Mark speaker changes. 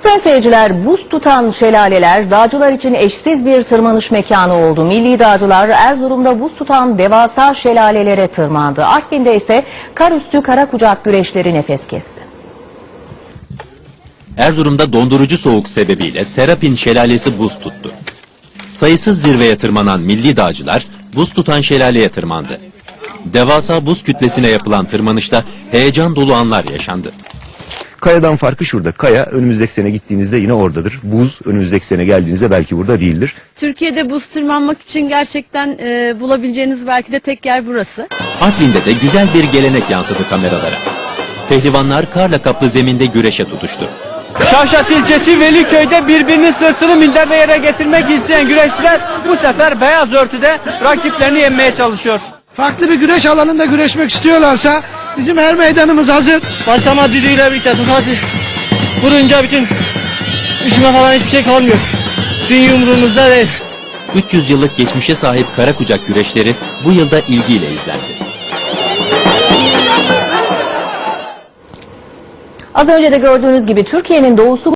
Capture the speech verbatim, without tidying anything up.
Speaker 1: Sayın seyirciler, buz tutan şelaleler dağcılar için eşsiz bir tırmanış mekanı oldu. Milli dağcılar Erzurum'da buz tutan devasa şelalelere tırmandı. Artvin'de ise kar üstü kara kucak güreşleri nefes kesti.
Speaker 2: Erzurum'da dondurucu soğuk sebebiyle Serapin Şelalesi buz tuttu. Sayısız zirveye tırmanan milli dağcılar buz tutan şelaleye tırmandı. Devasa buz kütlesine yapılan tırmanışta heyecan dolu anlar yaşandı.
Speaker 3: Kayadan farkı şurada. Kaya önümüzdeki sene gittiğinizde yine oradadır. Buz önümüzdeki sene geldiğinizde belki burada değildir.
Speaker 4: Türkiye'de buz tırmanmak için gerçekten e, bulabileceğiniz belki de tek yer burası.
Speaker 2: Artvin'de de güzel bir gelenek yansıdı kameralara. Pehlivanlar karla kaplı zeminde güreşe tutuştu.
Speaker 5: Şavşat ilçesi Veliköy'de birbirinin sırtını minderde yere getirmek isteyen güreşçiler bu sefer beyaz örtüde rakiplerini yenmeye çalışıyor.
Speaker 6: Farklı bir güreş alanında güreşmek istiyorlarsa bizim her meydanımız hazır.
Speaker 5: Başlama düdüğüyle birlikte tut hadi. Vurunca bütün üşüme falan hiçbir şey kalmıyor. Dünya umurumuzda değil.
Speaker 2: üç yüz yıllık geçmişe sahip kara kucak güreşleri bu yılda ilgiyle izlendi.
Speaker 1: Az önce de gördüğünüz gibi Türkiye'nin doğusu